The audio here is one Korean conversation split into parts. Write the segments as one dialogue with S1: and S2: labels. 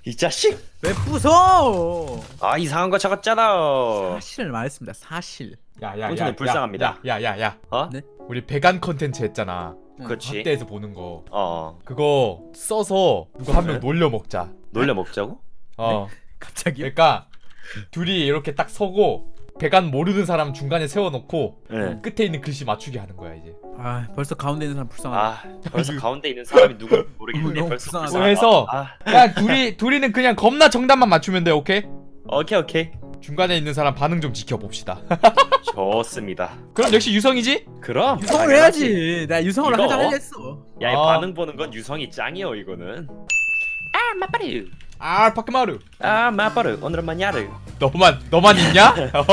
S1: 이 자식!
S2: 왜 부숴?
S1: 아 이상한 거 적었잖아.
S2: 사실을 말했습니다. 사실.
S1: 본인은 불쌍합니다.
S3: 야야야.
S1: 어?
S2: 네?
S3: 우리 배간 컨텐츠 했잖아.
S1: 그렇지.
S3: 확대해서 보는 거.
S1: 그거
S3: 그거 써서 누가 한 명
S1: 네?
S3: 놀려 먹자.
S1: 놀려 먹자고?
S2: 갑자기요?
S3: 그러니까 둘이 이렇게 딱 서고 배간 모르는 사람 중간에 세워놓고
S1: 네.
S3: 끝에 있는 글씨 맞추게 하는 거야 이제.
S2: 아 벌써 가운데 있는 사람 불쌍하다.
S1: 아 벌써 가운데 있는 사람이 누군지 모르겠는데
S2: 너무
S1: 벌써
S2: 불쌍하다.
S1: 불쌍하다.
S3: 해서
S1: 아,
S3: 야 둘이는 그냥 겁나 정답만 맞추면 돼. 오케이?
S1: 오케이.
S3: 중간에 있는 사람 반응 좀 지켜봅시다.
S1: 좋습니다.
S3: 그럼 역시 유성이지?
S1: 그럼
S2: 유성을
S1: 당연하지.
S2: 해야지. 나 유성을
S1: 이거?
S2: 하자 했어.
S1: 야, 이
S3: 아.
S1: 반응 보는 건 유성이 짱이요 이거는. 아 마빠르.
S3: 아 파크마루.
S1: 아 마빠르. 오늘은 마냐르.
S3: 너만 있냐?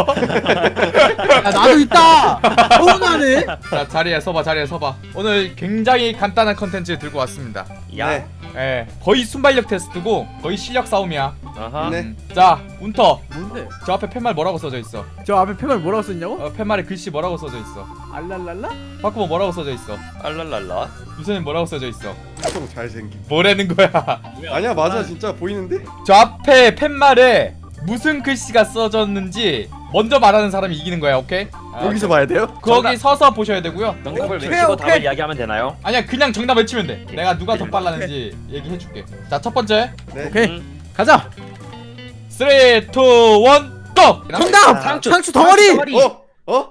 S2: 야 나도 있다. 서운하네.
S3: 자 자리에 서봐. 오늘 굉장히 간단한 컨텐츠 들고 왔습니다.
S1: 야.
S4: 네.
S3: 예, 거의 순발력 테스트고 거의 실력 싸움이야.
S1: 아하.
S4: 네.
S3: 자 운터,
S2: 뭔데?
S3: 저 앞에 팻말 뭐라고 써져 있어?
S2: 저 앞에 표면 뭐라고 썼냐고?
S3: 팻말에 글씨 뭐라고 써져 있어?
S2: 알랄랄라?
S3: 바꾸면 뭐라고 써져 있어?
S1: 알랄랄라.
S3: 유선님 뭐라고 써져 있어?
S4: 엄청 잘생김.
S3: 뭐라는 거야?
S4: 아니야 맞아 진짜 보이는데?
S3: 저 앞에 팻말에 무슨 글씨가 써졌는지 먼저 말하는 사람이 이기는 거야. 오케이?
S4: 여기서 봐야 돼요?
S3: 거기 서서 보셔야 되고요.
S1: 정답을
S2: 오케이,
S1: 외치고
S2: 오케이.
S1: 답을 이야기하면 되나요?
S3: 아니야 그냥 정답 외치면 돼. 내가 누가 더 빨랐는지 얘기해줄게. 자 첫 번째
S4: 네.
S2: 오케이 가자.
S3: 3, 2, 1, 고!
S2: 정답! 상추 덩어리!
S4: 어?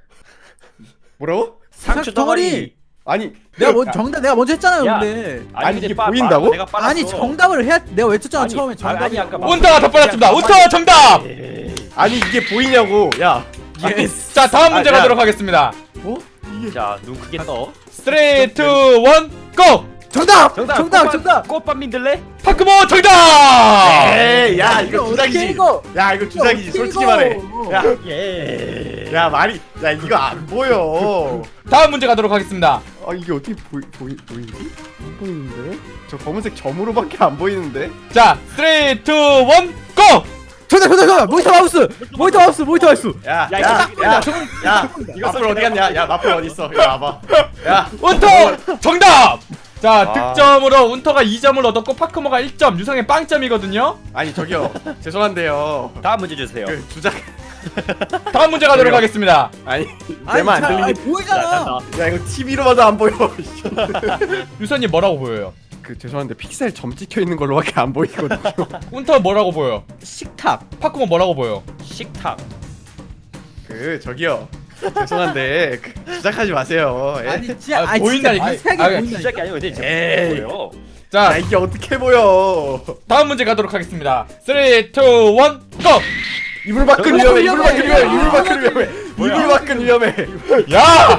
S4: 뭐라고?
S1: 상추 덩어리.
S4: 아니
S2: 내가 먼저 했잖아요.
S1: 야.
S2: 근데
S4: 아니,
S1: 근데
S4: 이게 보인다고?
S1: 내가 빨랐어.
S2: 아니 정답을 해야 내가 외쳤잖아.
S1: 아니,
S2: 처음에 정답이.
S1: 아니, 아까
S3: 운터가 더 빨랐습니다. 운터 정답!
S4: 아니 이게 보이냐고. 야.
S2: 예스.
S3: 자 다음 문제
S4: 야.
S3: 가도록 하겠습니다.
S4: 어? 이게
S1: 자, 눈 크게 떠.
S3: 3, 2, 1, 고!
S2: 정답!
S1: 정답.
S2: 정답!
S1: 꽃밭 민들레?
S3: 파크모 정답!
S4: 에이 야 이거
S2: 어떻게
S4: 주작이지.
S2: 읽어?
S4: 야 이거 주작이지
S2: 어떻게
S4: 솔직히
S2: 읽어?
S4: 말해. 야.
S1: 예.
S4: 야 말이 야 이거 안 보여.
S3: 다음 문제 가도록 하겠습니다.
S4: 아 이게 어떻게 보이지? 안 보이는데? 저 검은색 점으로밖에 안 보이는데?
S3: 자 3, 2, 1, 고!
S2: 정답! 모니터 마우스!
S4: 야,
S1: 야, 이거 딱 보인다.
S4: 야,
S1: 이거
S4: 마플 어디 갔냐? 야, 마플 어디 있어? 이리 와봐. 야,
S3: 운터 정답! 자
S4: 아.
S3: 득점으로 운터가 2점을 얻었고 파크모가 1점, 유성의 빵점이거든요.
S4: 아니 저기요, 죄송한데요.
S1: 다음 문제 주세요.
S4: 그 주작,
S3: 다음 문제 가도록
S4: 저기요.
S3: 하겠습니다.
S4: 아니 내만 안 들리니?
S2: 보이잖아.
S4: 야 이거 TV로 봐도 안 보여.
S3: 유선님 뭐라고 보여요?
S4: 그 죄송한데 픽셀 점 찍혀 있는 걸로밖에 안 보이거든요.
S3: 운터 뭐라고 보여?
S2: 식탁.
S3: 파크모 뭐라고 보여?
S1: 식탁.
S4: 그 저기요, 죄송한데 그, 주작하지 마세요. 예?
S2: 아니 진짜
S3: 아, 보인다니까.
S2: 색이
S3: 아,
S2: 보인다니까.
S1: 시작이 아니고 근데
S4: 에이.
S1: 이제 보여.
S4: 야
S3: 자
S4: 이게 어떻게 보여?
S3: 다음 문제 가도록 하겠습니다. 3, 2, 1, 고!
S4: 이불 밖은
S2: 저거
S4: 위험해. 이불 밖은
S2: 위험해.
S4: 위험해. 이불 밖은 위험해. 이불 밖은 위험해.
S3: 야!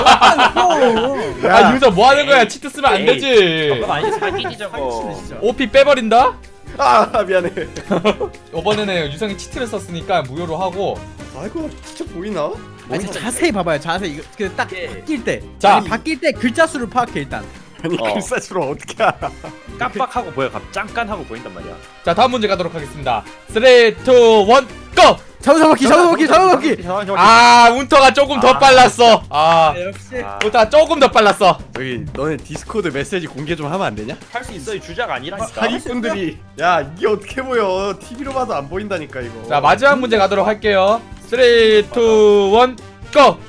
S2: 야.
S3: 아 유선 뭐 하는 거야? 치트 쓰면 안
S1: 에이,
S3: 되지.
S1: 잠깐 아니지 사기지 저거.
S2: 진짜.
S3: OP 빼버린다?
S4: 아 미안해.
S3: 이번에는 유성이 치트를 썼으니까 무효로 하고.
S4: 아이고 진짜 보이나?
S2: 아니 진짜 자세히 봐봐요. 자세히 이거 그딱
S1: 예.
S2: 바뀔 때.
S3: 자.
S2: 아니 바뀔 때 글자 수를 파악해 일단.
S4: 아니
S1: 어.
S4: 글사수로 어떻게 알아?
S1: 깜빡하고 보여. 잠깐 하고 보인단 말이야.
S3: 자 다음 문제 가도록 하겠습니다. 3, 2, 1, 고!
S2: 잡아먹기.
S3: 아 운터가 조금 더 빨랐어. 아
S2: 역시.
S3: 운터가 조금 더 빨랐어.
S4: 저기 너네 디스코드 메시지 공개 좀 하면 안 되냐?
S1: 할 수 있어. 이 주작 아니라니까.
S4: 사기꾼들이 야 이게 어떻게 보여? TV로 봐도 안 보인다니까 이거.
S3: 자 마지막 문제 가도록 할게요. 3, 2, 1, 고!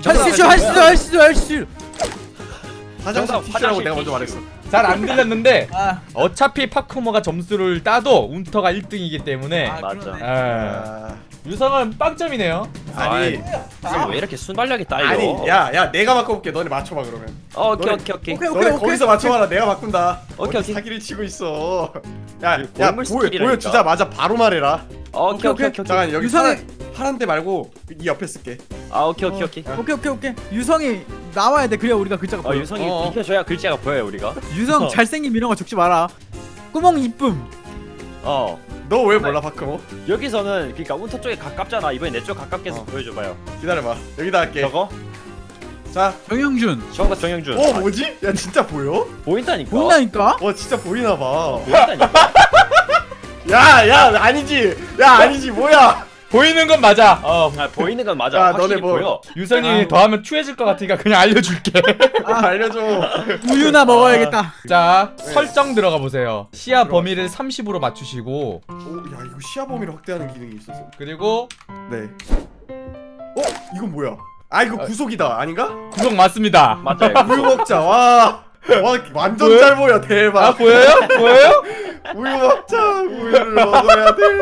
S2: 할수.
S4: 화장실
S1: 정답,
S4: 티슈라고
S1: 화장실
S4: 내가 먼저
S1: 티슈.
S4: 말했어.
S3: 잘 안 들렸는데
S2: 아.
S3: 어차피 파크모가 점수를 따도 운터가 1등이기 때문에
S1: 맞아.
S2: 그러네.
S3: 에,
S4: 아,
S3: 유성은 빵점이네요.
S4: 아니
S1: 무슨 왜 이렇게 순발력이 따요?
S4: 아니 야 내가 바꿔볼게. 너네 맞춰봐 그러면.
S1: 오케이.
S4: 너네 거기서 맞춰봐라. 내가 바꾼다.
S1: 오케이,
S4: 어디
S1: 오케이.
S4: 사기를 치고 있어. 야
S1: 골물 스킬이라니까.
S4: 보여주자마자 바로 말해라.
S1: 오케이.
S4: 잠깐 여기 파란 데 말고 이 옆에 쓸게.
S1: 아 오케이.
S2: 오케이. 유성이 나와야 돼. 그래야 우리가 글자가 보여.
S1: 유성이
S4: 어.
S1: 비켜줘야 글자가 보여요 우리가.
S2: 유성 잘생김 이런 거 적지 마라. 구멍 이쁨.
S1: 어.
S4: 너 왜 몰라 바꿔?
S1: 여기서는 그러니까 운터 쪽에 가깝잖아. 이번에 내 쪽 가깝게 해서 보여줘봐요.
S4: 기다려봐. 여기다 할게.
S1: 저거?
S4: 자.
S2: 정영준.
S1: 정답 정영준.
S4: 뭐지? 야 진짜 보여?
S1: 보인다니까.
S2: 보인다니까?
S4: 진짜 보이나 봐.
S1: 보인다니까.
S4: 야 아니지. 야 아니지 뭐야?
S3: 보이는 건 맞아.
S1: 보이는 건 맞아.
S4: 야,
S1: 확실히
S4: 너네 뭐-
S1: 보여.
S3: 유성이 더하면 추해질 것 같으니까 그냥 알려줄게.
S4: 알려줘.
S2: 우유나 먹어야겠다.
S3: 자, 설정 들어가 보세요. 시야 범위를 30으로 맞추시고,
S4: 야 이거 시야 범위를 확대하는 기능이 있었어.
S3: 그리고
S4: 네. 이건 뭐야? 이거 구속이다 아닌가?
S3: 구성 맞습니다.
S1: 맞아요.
S4: 우유 먹자. 와 완전
S3: 뭐야?
S4: 잘 보여. 대박.
S3: 아, 보여요? 보여요?
S4: 우유 먹자. 우유를 먹어야 돼.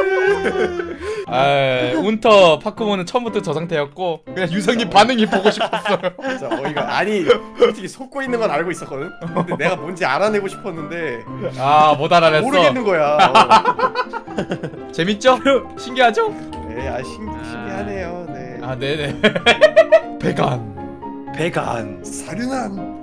S3: 아, 운터 파크몬은 처음부터 저 상태였고 그냥 유성님 반응이 보고 싶었어요.
S4: 진짜 어이가 아니 솔직히 속고 있는 건 알고 있었거든. 근데 내가 뭔지 알아내고 싶었는데
S3: 아, 못 알아냈어.
S4: 모르겠는 거야.
S3: 재밌죠? 신기하죠?
S4: 네, 신기하네요. 네.
S3: 아, 네네. 배간.
S1: 배간.
S4: 사륜한